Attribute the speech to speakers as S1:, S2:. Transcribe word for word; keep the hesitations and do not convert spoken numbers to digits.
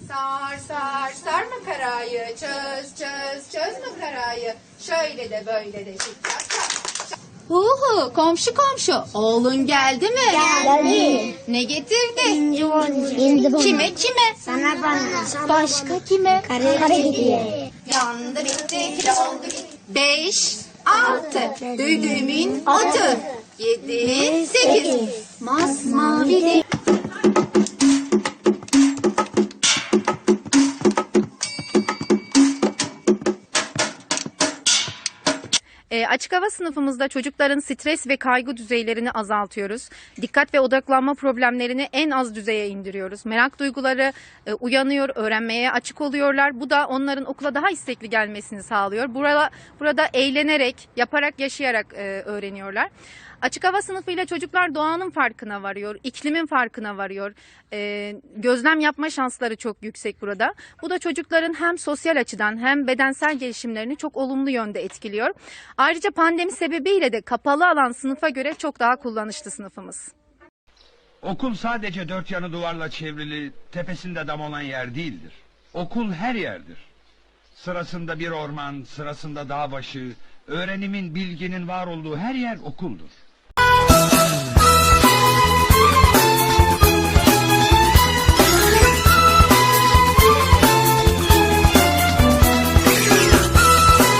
S1: Sar sar sar makarayı, çöz çöz çöz makarayı. Şöyle de böyle de şık şak şak. Huhu, komşu komşu, oğlun geldi mi?
S2: Geldi.
S1: Ne getirdi?
S2: İnci boncuk.
S1: Kime kime?
S2: Sana bana.
S1: Başka kime?
S2: Kare kare gidiyor.
S1: Yandı bitti, kilo oldu gitti. Beş, altı, düdüğümün otu. Yedi, sekiz, masmavi. E, açık hava sınıfımızda çocukların stres ve kaygı düzeylerini azaltıyoruz. Dikkat ve odaklanma problemlerini en az düzeye indiriyoruz. Merak duyguları e, uyanıyor, öğrenmeye açık oluyorlar. Bu da onların okula daha istekli gelmesini sağlıyor. Burada, burada eğlenerek, yaparak, yaşayarak e, öğreniyorlar. Açık hava sınıfıyla çocuklar doğanın farkına varıyor, iklimin farkına varıyor. Ee, gözlem yapma şansları çok yüksek burada. Bu da çocukların hem sosyal açıdan hem bedensel gelişimlerini çok olumlu yönde etkiliyor. Ayrıca pandemi sebebiyle de kapalı alan sınıfa göre çok daha kullanışlı sınıfımız.
S3: Okul sadece dört yanı duvarla çevrili, tepesinde dam olan yer değildir. Okul her yerdir. Sırasında bir orman, sırasında dağ başı, öğrenimin, bilginin var olduğu her yer okuldur.